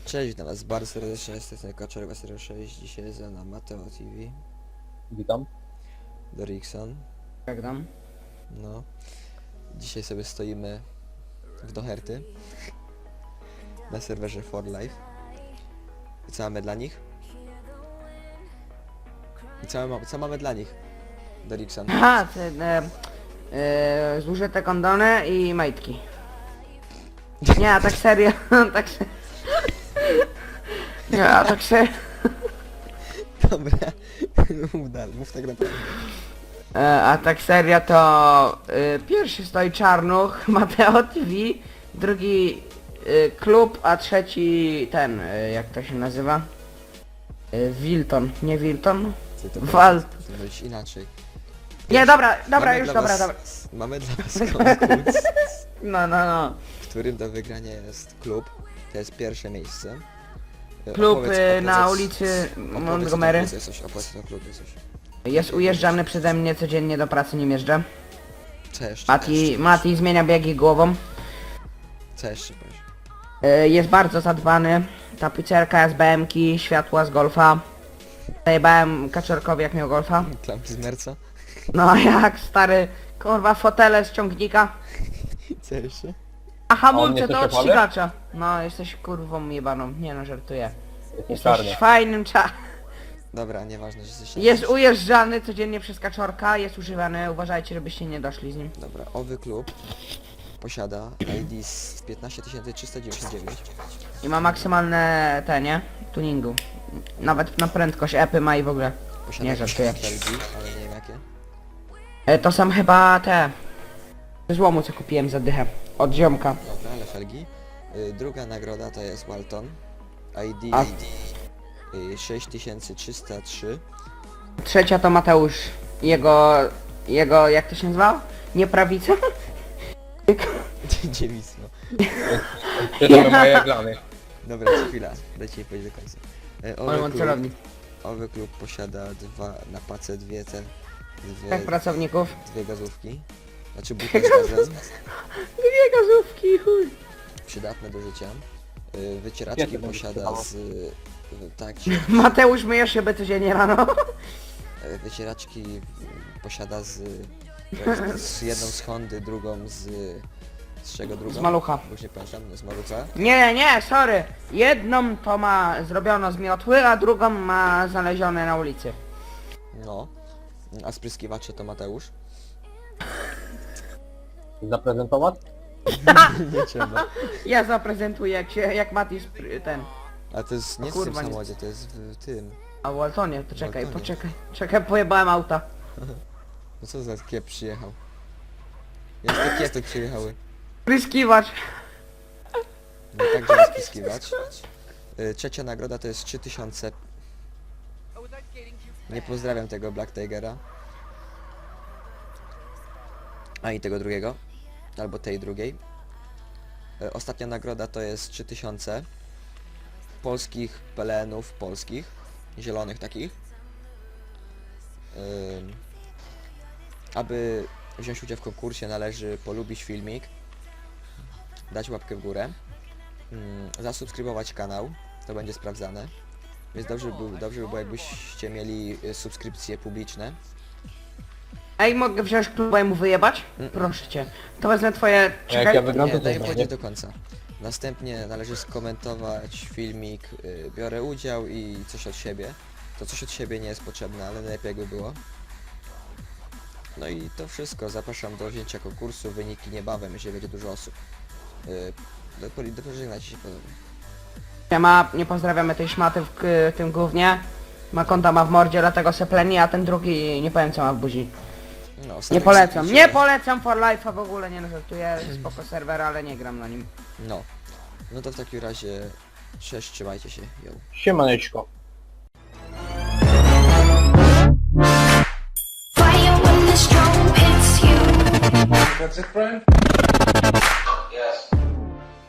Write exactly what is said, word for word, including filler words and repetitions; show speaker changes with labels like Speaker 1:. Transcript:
Speaker 1: Cześć, witam was bardzo serdecznie, jestem Kaczorek zero sześć, dzisiaj za na Mateo T V.
Speaker 2: Witam.
Speaker 1: Dorikson.
Speaker 3: Jak tam?
Speaker 1: No. Dzisiaj sobie stoimy w Doherty. Na serwerze For Life. I co mamy dla nich? I co, ma, co mamy dla nich? Dorikson.
Speaker 3: Aha, te, e, e, zużyte kondony i majtki. Nie, a tak serio, tak se... Nie, a tak serio.
Speaker 1: Dobra. Mów dalej, mów tak naprawdę.
Speaker 3: E, a tak serio to e, pierwszy stoi Czarnuch, Mateo T V, drugi e, klub, a trzeci ten, e, jak to się nazywa? E, Wilton, nie Wilton?
Speaker 1: Ty to
Speaker 3: Wal.
Speaker 1: To być inaczej.
Speaker 3: Nie, dobra, dobra,
Speaker 1: Mamy
Speaker 3: już
Speaker 1: dla
Speaker 3: dobra,
Speaker 1: was,
Speaker 3: dobra.
Speaker 1: Mamy dla was konkurs,
Speaker 3: No, no, no.
Speaker 1: w którym do wygrania jest klub. To jest pierwsze miejsce. E,
Speaker 3: Klub
Speaker 1: opowiedz-
Speaker 3: e, na
Speaker 1: opowiedz-
Speaker 3: ulicy
Speaker 1: opowiedz
Speaker 3: Montgomery.
Speaker 1: o tym klubie coś, opowiedz o tym klubie coś.
Speaker 3: Jest ujeżdżany przeze mnie codziennie do pracy, nim jeżdżę.
Speaker 1: Co jeszcze?
Speaker 3: Mati, Mati zmienia biegi głową.
Speaker 1: Co jeszcze powiesz?
Speaker 3: E, Jest bardzo zadbany. Tapicerka z B M ki, światła z golfa. Zajebałem Kaczorkowi jak miał golfa.
Speaker 1: Klamki z merca?
Speaker 3: No jak stary, kurwa fotele z ciągnika.
Speaker 1: Co jeszcze?
Speaker 3: A
Speaker 2: A on
Speaker 3: hamulce
Speaker 2: nie
Speaker 3: to
Speaker 2: też
Speaker 3: od
Speaker 2: opale?
Speaker 3: ścigacza. No jesteś kurwą jebaną, nie no żartuję.
Speaker 2: Jestem
Speaker 3: Jesteś
Speaker 2: czarny.
Speaker 3: fajnym cza...
Speaker 1: Dobra, nieważne, że jesteś...
Speaker 3: Jest ujeżdżany codziennie przez Kaczorka, jest używany, uważajcie żebyście nie doszli z nim.
Speaker 1: Dobra, owy klub posiada I D z piętnaście tysięcy trzysta dziewięćdziesiąt dziewięć.
Speaker 3: I ma maksymalne te, nie? Tuningu. Nawet na prędkość epy ma i w ogóle.
Speaker 1: Posiada
Speaker 3: Nie,
Speaker 1: jakieś
Speaker 3: żartuję.
Speaker 1: L G, ale nie wiem jakie.
Speaker 3: E, to są chyba te... ze złomu co kupiłem za dychę. Od ziomka.
Speaker 1: Dobra, ale felgi. Y, druga nagroda to jest Walton. I D
Speaker 3: A-
Speaker 1: y, sześć tysięcy trzysta trzy.
Speaker 3: Trzecia to Mateusz. Jego... Jego... jak to się nazywa? Nie prawica?
Speaker 1: Dziewisno.
Speaker 2: Ty to moje glany.
Speaker 1: Dobra, chwila, dajcie mi powiedzieć do końca. Y,
Speaker 3: On
Speaker 1: owy,
Speaker 3: ma
Speaker 1: klub,
Speaker 3: celownik.
Speaker 1: owy klub posiada dwa na pace dwie ten... Dwie,
Speaker 3: Tak pracowników.
Speaker 1: dwie gazówki. Znaczy buty z gazem.
Speaker 3: Dwie gazówki, chuj.
Speaker 1: Przydatne do życia. Y, Wycieraczki
Speaker 2: Jakie będzie
Speaker 1: posiada
Speaker 2: przydało?
Speaker 1: z... y, Tak,
Speaker 3: Mateusz myje szybę codziennie rano.
Speaker 1: y, wycieraczki y, posiada z... Z jedną z Hondy, drugą z... Z czego drugą?
Speaker 3: Z malucha.
Speaker 1: Już nie pamiętam, z malucha.
Speaker 3: Nie, nie, sorry. Jedną to ma zrobiono z miotły, a drugą ma znalezione na ulicy.
Speaker 1: No. A spryskiwacze to Mateusz?
Speaker 2: Zaprezentować?
Speaker 1: Nie trzeba.
Speaker 3: Ja zaprezentuję jak się, jak Mati spry- ten.
Speaker 1: A to jest nie
Speaker 3: O
Speaker 1: w tym
Speaker 3: kurwa, nie.
Speaker 1: samochodzie, to jest w tym.
Speaker 3: A w Waltonie, poczekaj,
Speaker 1: Waltonie.
Speaker 3: poczekaj. Czekaj, pojebałem auta.
Speaker 1: No co za kiep przyjechał? Jak te kiepy przyjechały?
Speaker 3: Pryskiwacz.
Speaker 1: No także jest spryskiwacz. Y, Trzecia nagroda to jest trzy tysiące. Nie pozdrawiam tego Black Tigera. A i tego drugiego. Albo tej drugiej. Y, Ostatnia nagroda to jest trzy tysiące polskich pelenów polskich. Zielonych takich. Ym, Aby wziąć udział w konkursie należy polubić filmik, dać łapkę w górę, ym, zasubskrybować kanał, to będzie sprawdzane. Więc dobrze by, było- dobrze by było jakbyście mieli y, subskrypcje publiczne.
Speaker 3: Ej, mogę wziąć kluba i mu wyjebać?
Speaker 1: Mm.
Speaker 3: Proszę cię. To wezmę twoje...
Speaker 2: Jak
Speaker 3: Czekaj.
Speaker 2: ja wygram,
Speaker 1: Nie,
Speaker 2: to
Speaker 1: daj
Speaker 2: też
Speaker 1: powiedzieć
Speaker 2: nie.
Speaker 1: do końca. Następnie należy skomentować filmik, y, biorę udział i coś od siebie. To coś od siebie nie jest potrzebne, ale najlepiej jakby było. No i to wszystko. Zapraszam do wzięcia konkursu. Wyniki niebawem, jeżeli będzie dużo osób. Yy, do, do pożegnajcie się ponownie.
Speaker 3: Ma, nie pozdrawiamy tej szmaty w k- tym gównie. Ma konta ma w mordzie, dlatego se pleni, a ten drugi nie powiem co ma w buzi.
Speaker 1: No,
Speaker 3: Nie
Speaker 1: ostatek
Speaker 3: polecam,
Speaker 1: zapiszę.
Speaker 3: nie polecam For Life'a w ogóle, nie no żartuję, spoko serwer, ale nie gram na nim.
Speaker 1: No. No to w takim razie... Cześć, trzymajcie się. Yo.
Speaker 2: Siemaneczko.
Speaker 4: Fire when the strobe hits you.
Speaker 5: That's it, friend? Yes.